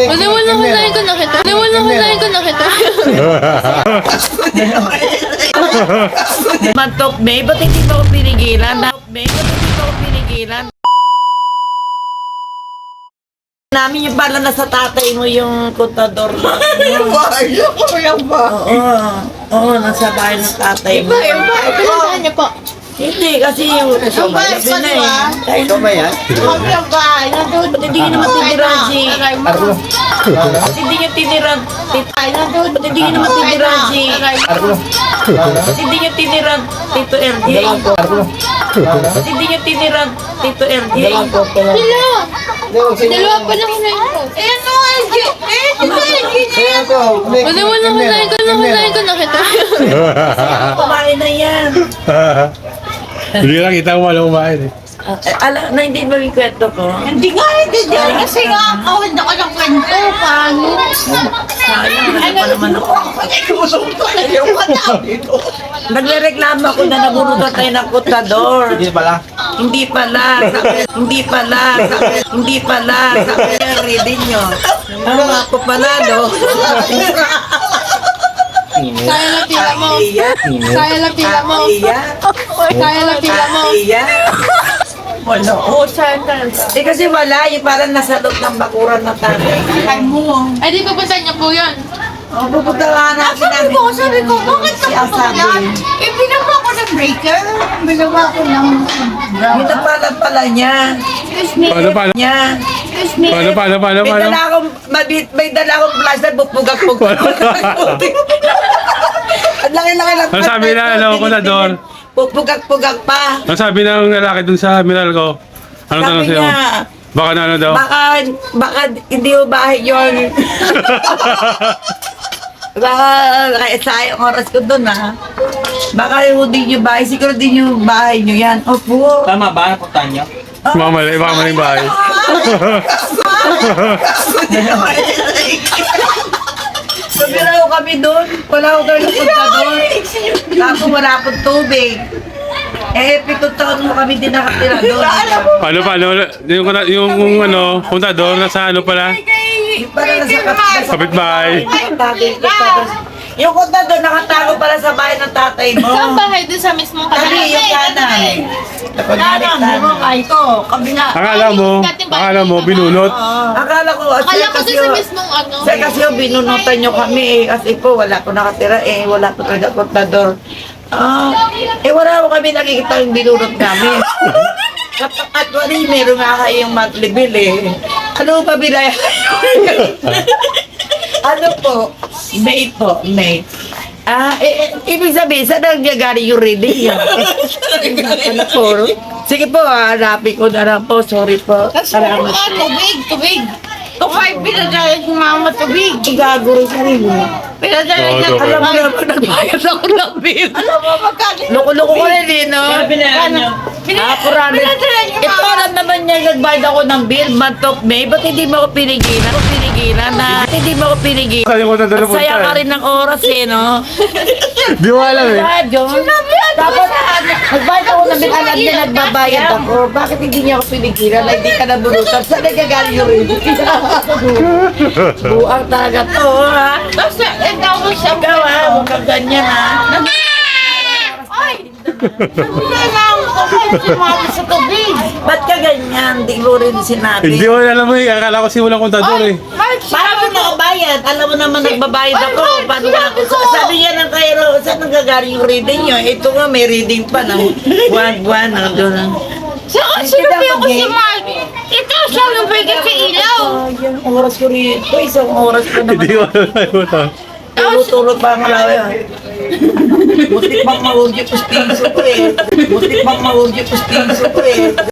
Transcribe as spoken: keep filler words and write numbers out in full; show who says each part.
Speaker 1: Wala wala hunahin ko nakita. Wala wala hunahin ko nakita.
Speaker 2: Mantok, May, ba't hindi mo ako pinigilan? May, ba't hindi mo ako pinigilan? Namin yung pala nasa tatay mo yung kontador mo.
Speaker 3: Bahay ko yan ba?
Speaker 2: Oo, oo, nasa bahay ng tatay mo.
Speaker 3: Yung bahay ko.
Speaker 1: Pinuntahan niyo po.
Speaker 2: Hindi, kasi yung
Speaker 3: Yung bahay ko,
Speaker 2: na
Speaker 3: di ba?
Speaker 2: eh.
Speaker 3: Ito ba yan? Yung bahay. Nandun.
Speaker 2: Ba't hindi naman tiniran si...
Speaker 3: Arlo.
Speaker 2: Ba't hindi niya tiniran... Ba't hindi niya naman tiniran si...
Speaker 3: Arlo.
Speaker 2: Ba't hindi niya tiniran Tito R J?
Speaker 3: Arlo.
Speaker 2: Ba't hindi niya tiniran Tito R J?
Speaker 1: Sila! Dalawa pa lang hunahin ko.
Speaker 3: Ayan o, L G. Ayan ko.
Speaker 1: Wala wala hunahin ko. Wala hunahin ko nakita.
Speaker 2: Kumain na yan.
Speaker 4: Hindi lang kita mo walang kumain eh.
Speaker 2: Ah, eh, alam na hindi ba yung kwento ko?
Speaker 3: Hindi nga, hindi dyan. Kasi nga, kawin ako ng kwento. Paano?
Speaker 2: Sayang, ano pa naman ako.
Speaker 3: Yung madami ko.
Speaker 2: Nagre-reklamo ako na nabunutan tayo ng kontador.
Speaker 3: Hindi pala.
Speaker 2: Hindi pala, sabi, hindi pala, sabi, hindi pala, sabi yung reading nyo. Ano nga po pala, no?
Speaker 1: Kaya lang pila mo.
Speaker 2: Iya,
Speaker 1: Kaya lang pila mo.
Speaker 2: iya,
Speaker 1: Kaya lang pila mo.
Speaker 2: iya. Wala, oo, saan ka? Eh kasi wala, yung parang nasa loob ng bakuran ng tatay.
Speaker 3: Ay mo.
Speaker 1: Ay, di pupuntahan niyo po yun.
Speaker 2: O, pupunta nga natin
Speaker 3: Sabi
Speaker 2: namin.
Speaker 3: ko, sabi ko, bakit
Speaker 2: Si
Speaker 3: ako
Speaker 2: Asabi.
Speaker 3: yan? Eh, binawa ko ng breaker. Binawa ko ng
Speaker 2: Yung napalag pala niya.
Speaker 3: Excuse me.
Speaker 4: Paano, paano?
Speaker 2: Niya.
Speaker 3: Excuse me.
Speaker 4: Paano, paano, paano,
Speaker 2: May
Speaker 4: paano?
Speaker 2: dala akong, may, may dala akong flashlight, bupugak-pugak. Ang laki-laki lang.
Speaker 4: Ano sabi na, ano, kontador?
Speaker 2: Pupugak-pugak pa.
Speaker 4: Ang sabi ng lalaki dun sa mineral ko, anong tanong
Speaker 2: Sabi
Speaker 4: sa'yo?
Speaker 2: niya,
Speaker 4: Baka na ano daw?
Speaker 2: baka, baka hindi mo bahay yun. Baka, kaya sayang oras ko dun ha. Baka yung din yung bahay, siguro din yung bahay nyo yan. Opo.
Speaker 5: Tama ba? Napuntahan niyo?
Speaker 4: Baka mali, baka maling bahay.
Speaker 2: Sabi raw kami doon, wala ko doon napunta doon. Tapos wala akong tubig. Eh, pitong taon mo kami din nakatira doon.
Speaker 4: Paano, paano? Yung, yung, yung ano, kontador, nasa ano pala?
Speaker 2: Yung pala nasa kapit
Speaker 4: Kapitbahay.
Speaker 2: Yung kontador nakatago pala sa bahay ng tatay mo.
Speaker 1: Saan bahay doon sa mismong
Speaker 2: Kami
Speaker 1: kanal?
Speaker 2: yung kanan. Kapag
Speaker 3: Alam mo, ay ko, kabila.
Speaker 4: Akala mo, akala mo, binunot.
Speaker 2: Akala ko,
Speaker 1: Akala ko
Speaker 2: kasi
Speaker 1: doon sa mismong ano.
Speaker 2: Sir, kasi yung binunutan nyo kami eh. Kasi po, wala po nakatira eh. Wala po talaga kontador. Ah, eh wala po kami nakikita yung binunot namin. At wali, meron nga kayong monthly bill eh. Ano pa bilay? Ano po? May po, May. Ah, eh, eh, ibig sabihin, saan nangyagari yung reading yan? Ano po? Sige po, ah, hanapin ko na lang po. Sorry po. Salamat
Speaker 3: Ah,
Speaker 2: po.
Speaker 3: tubig, tubig. Kung five pinadala si mama tubig.
Speaker 2: Igaguro sa rin mo.
Speaker 3: Pinadala
Speaker 4: Oo,
Speaker 3: niya.
Speaker 4: tubig.
Speaker 2: Alam mo naman, nagbayad ako ng bill.
Speaker 3: Alam mo, magkano?
Speaker 2: Loko-loko ko rin eh, no?
Speaker 5: Binayaran niyo?
Speaker 2: Ah, kurami.
Speaker 3: Pinadala niyo,
Speaker 2: Ito,
Speaker 3: mama.
Speaker 2: alam naman niya, nagbayad ako ng bill, month of May. Ba't hindi mo ako pinigilan? Ako pinigilan na, ba't hindi mo ako pinigilan?
Speaker 4: Saan yung kontador na punta
Speaker 2: Saya ka
Speaker 4: eh?
Speaker 2: rin ng oras eh, no?
Speaker 4: Di mo alam eh.
Speaker 2: Ah, John. Dapat, nagbayad ako ng bill, alam niya nagbabayad ako. Bakit hindi niya ako pinigilan? Ay, di ka nabunutan. Saan nagagaling yung rin? Buang talaga to, ha?
Speaker 3: Tapos, eh, tapos siya.
Speaker 2: Ikaw, ha? Huwag kang ganyan, ha?
Speaker 3: Ay! Wala lang ako si mama sa tubig.
Speaker 2: Ba't ka ganyan? Di mo rin sinabi.
Speaker 4: Hindi mo alam mo eh. Akala ko si walang kontador eh.
Speaker 3: Ay,
Speaker 2: Paano mo nakabayad? Alam mo naman nagbabayad
Speaker 3: Ay,
Speaker 2: ako.
Speaker 3: ay,
Speaker 2: Paano
Speaker 3: sinabi
Speaker 2: ako?
Speaker 3: ko.
Speaker 2: Sabi niya ng Cairo, saan nanggagaling yung reading niyo? Ito nga, may reading pa ng buwan-buwan. Doon.
Speaker 3: Saka sinabi ako si Mark. Ito siya nabigay sa ilaw.
Speaker 2: Oh, yung oras ko rito. Isang oras ko naman.
Speaker 4: Hindi mo alam.
Speaker 2: Tulog-tulog pa ang alawi. Butik bang mahulog yung pustiso ko eh. Butik bang mahulog yung pustiso ko eh.